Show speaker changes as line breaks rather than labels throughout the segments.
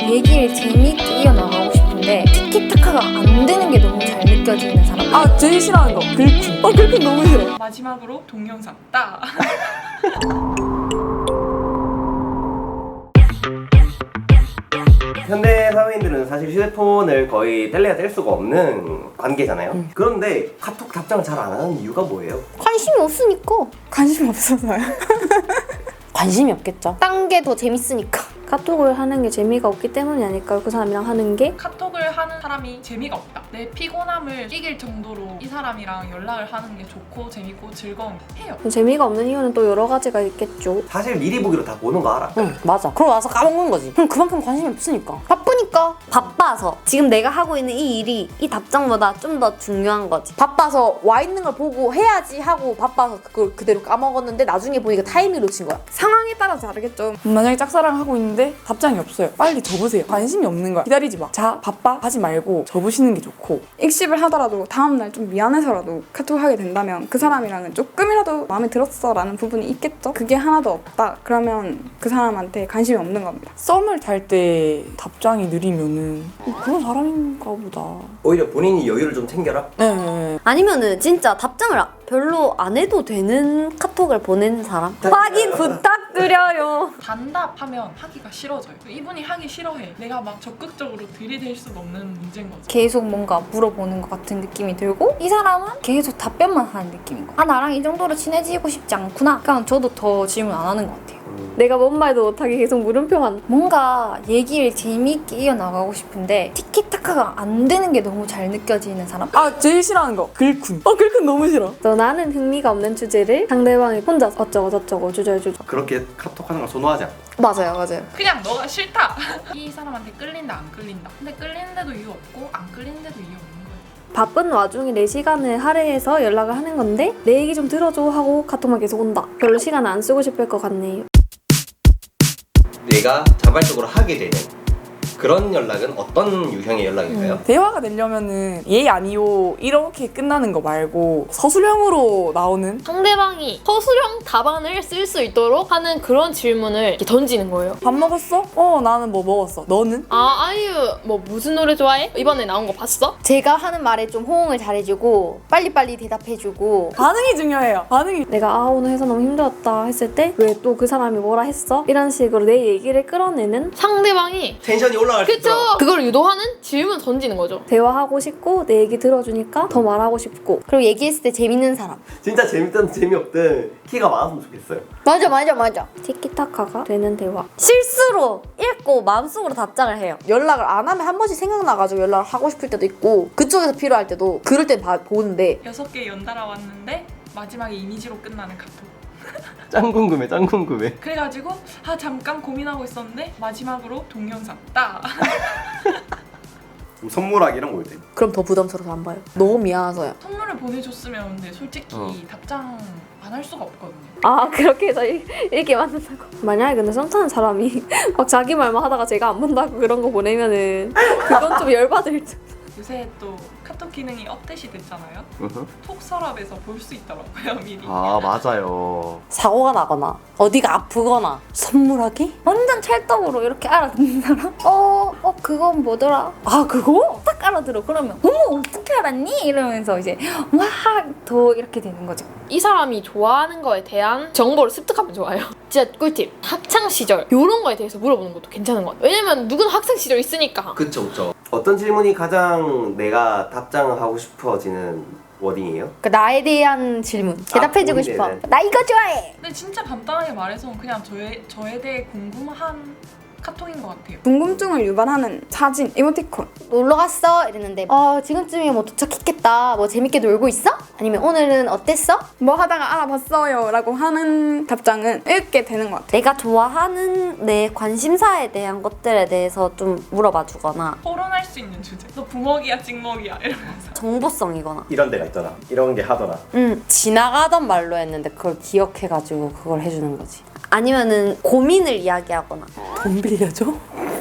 얘기를 재미있게 이어나가고 싶은데 티키타카가 안 되는 게 너무 잘 느껴지는 사람.
아, 제일 싫어하는 거 글쿤. 글쿤 너무 싫어.
마지막으로 동영상 따.
현대 사회인들은 사실 휴대폰을 거의 뗄래야 뗄 수가 없는 관계잖아요. 그런데 카톡 답장을 잘 안 하는 이유가 뭐예요?
관심이 없으니까.
관심 없어서요. 관심이 없겠죠.
딴 게 더 재밌으니까. 카톡을 하는 게 재미가 없기 때문이 아닐까요? 그 사람이랑 하는 게?
카톡을 하는 사람이 재미가 없다. 내 피곤함을 이길 정도로 이 사람이랑 연락을 하는 게 좋고 재밌고 즐거워해요.
재미가 없는 이유는 또 여러 가지가 있겠죠.
사실 미리 보기로 다 보는 거 알아.
응, 맞아. 그러고 나서 까먹는 거지. 그럼 그만큼 관심이 없으니까.
바쁘니까. 바빠서. 지금 내가 하고 있는 이 일이 이 답장보다 좀 더 중요한 거지.
바빠서 와 있는 걸 보고 해야지 하고 바빠서 그걸 그대로 까먹었는데 나중에 보니까 타이밍 놓친 거야. 상황에 따라 다르겠죠. 만약에 짝사랑하고 있는데 답장이 없어요. 빨리 접으세요. 관심이 없는 거야. 기다리지 마. 자, 바빠 하지 말고 접으시는 게 좋고.
익십을 하더라도 다음날 좀 미안해서라도 카톡을 하게 된다면 그 사람이랑은 조금이라도 마음에 들었어 라는 부분이 있겠죠? 그게 하나도 없다. 그러면 그 사람한테 관심이 없는 겁니다.
썸을 탈 때 답장이 느리면은 그런 사람인가 보다.
오히려 본인이 여유를 좀 챙겨라.
네.
아니면은 진짜 답장을 별로 안 해도 되는 카톡을 보내는 사람? 확인 부탁드려요.
단답하면 하기가 싫어져요. 이분이 하기 싫어해. 내가 막 적극적으로 들이댈 수가 없는 문제인 거죠.
계속 뭔가 물어보는 것 같은 느낌이 들고 이 사람은 계속 답변만 하는 느낌인 거야. 아, 나랑 이 정도로 친해지고 싶지 않구나. 그냥 저도 더 질문 안 하는 것 같아요. 내가 뭔 말도 못하게 계속 물음표만. 뭔가 얘기를 재미있게 이어나가고 싶은데 티키타카가 안 되는 게 너무 잘 느껴지는 사람?
아, 제일 싫어하는 거 글쿤. 글쿤 너무 싫어.
또 나는 흥미가 없는 주제를 상대방이 혼자 어쩌고 저쩌고 주저주저.
그렇게 카톡하는 걸 선호하지 않고.
맞아요.
그냥 너가 싫다. 이 사람한테 끌린다 안 끌린다. 근데 끌리는데도 이유 없고 안 끌리는데도 이유 없는 거예요.
바쁜 와중에 내 시간을 할애해서 연락을 하는 건데 내 얘기 좀 들어줘 하고 카톡만 계속 온다. 별로 시간 안 쓰고 싶을 것 같네요.
내가 자발적으로 하게 되는 그런 연락은 어떤 유형의 연락일까요?
대화가 되려면은 예 아니요 이렇게 끝나는 거 말고 서술형으로 나오는.
상대방이 서술형 답안을 쓸 수 있도록 하는 그런 질문을 이렇게 던지는 거예요.
밥 먹었어? 나는 뭐 먹었어. 너는?
아, 아이유 뭐 무슨 노래 좋아해? 이번에 나온 거 봤어?
제가 하는 말에 좀 호응을 잘해주고 빨리빨리 대답해주고
반응이 중요해요. 반응이.
내가 오늘 해서 너무 힘들었다 했을 때 왜 또 그 사람이 뭐라 했어? 이런 식으로 내 얘기를 끌어내는
상대방이
텐션이 올라갈 수
그쵸?
있도록.
그걸 유도하는 질문 던지는 거죠.
대화하고 싶고 내 얘기 들어주니까 더 말하고 싶고 그리고 얘기했을 때 재밌는 사람.
진짜 재밌든 재미없든 키가 많았으면 좋겠어요.
맞아. 티키타카가 되는 대화. 실수로 읽고 마음속으로 답장을 해요.
연락을 안 하면 한 번씩 생각나가지고 연락을 하고 싶을 때도 있고 그쪽에서 필요할 때도 그럴 땐 보는데
6개 연달아 왔는데 마지막에 이미지로 끝나는 카톡.
짱 궁금해.
그래가지고 잠깐 고민하고 있었는데 마지막으로 동영상 따.
선물하기랑 올 때.
그럼 더 부담스러워서 안 봐요. 너무 미안해서요.
선물을 보내줬으면 근데 솔직히 답장 안 할 수가 없거든요.
아, 그렇게 해서 읽게 만든다고. 만약에 근데 썸 타는 사람이 막 자기 말만 하다가 제가 안 본다고 그런 거 보내면은 그건 좀 열받을 듯.
요새 또 카톡 기능이 업데이트 됐잖아요. 톡 서랍에서 볼 수 있더라고요 미리.
아 맞아요.
사고가 나거나 어디가 아프거나 선물하기?
완전 찰떡으로 이렇게 알아듣는 사람? 그건 뭐더라? 아, 그거? 딱 알아들어. 그러면 어머, 어떻게 알았니? 이러면서 이제 와, 더 이렇게 되는 거죠.
이 사람이 좋아하는 거에 대한 정보를 습득하면 좋아요. 진짜 꿀팁. 학창 시절 이런 거에 대해서 물어보는 것도 괜찮은 것 같아요. 왜냐면 누구나 학창 시절 있으니까.
그쵸. 어떤 질문이 가장 내가 답장하고 싶어지는 워딩이에요?
그 나에 대한 질문 대답해주고
본인에
싶어.
대한.
나 이거 좋아해.
근데 진짜 간단하게 말해서 그냥 저에 대해 궁금한 카톡인 것 같아요.
궁금증을 유발하는 사진, 이모티콘.
놀러 갔어? 이랬는데 지금쯤이면 뭐 도착했겠다. 뭐 재밌게 놀고 있어? 아니면 오늘은 어땠어?
뭐 하다가 알아봤어요 라고 하는 답장은 읽게 되는 것 같아요.
내가 좋아하는 내 관심사에 대한 것들에 대해서 좀 물어봐 주거나
토론할 수 있는 주제. 너 부먹이야 찍먹이야 이러면서.
정보성이거나.
이런 데가 있더라. 이런 게 하더라.
지나가던 말로 했는데 그걸 기억해가지고 그걸 해주는 거지.
아니면은 고민을 이야기하거나.
돈 빌려줘?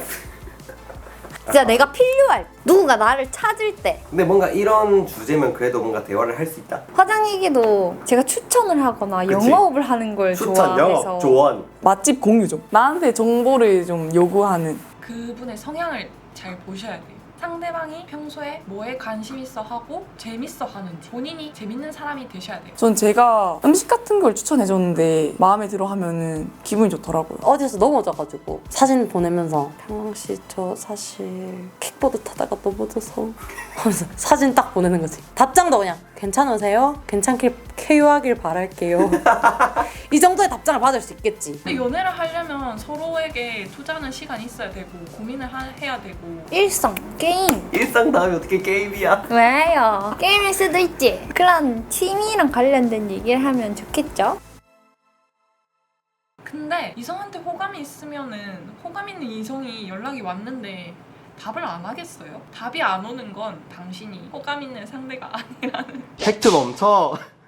진짜 내가 필요할 때, 누군가 나를 찾을 때.
근데 뭔가 이런 주제면 그래도 뭔가 대화를 할 수 있다.
화장 얘기도 제가 추천을 하거나
그치.
영업을 하는 걸
추천,
좋아해서.
영업, 조언.
맛집 공유 좀. 나한테 정보를 좀 요구하는.
그분의 성향을 잘 보셔야 돼요. 상대방이 평소에 뭐에 관심 있어 하고 재밌어 하는지 본인이 재밌는 사람이 되셔야 돼요.
전 제가 음식 같은 걸 추천해줬는데 마음에 들어 하면은 기분이 좋더라고요.
어디서 넘어져가지고 사진 보내면서 평시 저 사실 킥보드 타다가 넘어져서 하면서 사진 딱 보내는 거지. 답장도 그냥 괜찮으세요? 괜찮게 쾌유하길 바랄게요. 이 정도의 답장을 받을 수 있겠지.
근데 연애를 하려면 서로에게 투자하는 시간이 있어야 되고 고민을 해야 되고
일성, 게임.
일상 다음에 어떻게 게임이야?
왜요? 게임일 수도 있지. 그런 취미랑 관련된 얘기를 하면 좋겠죠?
근데 이성한테 호감이 있으면은 호감 있는 이성이 연락이 왔는데 답을 안 하겠어요? 답이 안 오는 건 당신이 호감 있는 상대가 아니라는
팩트 멈춰.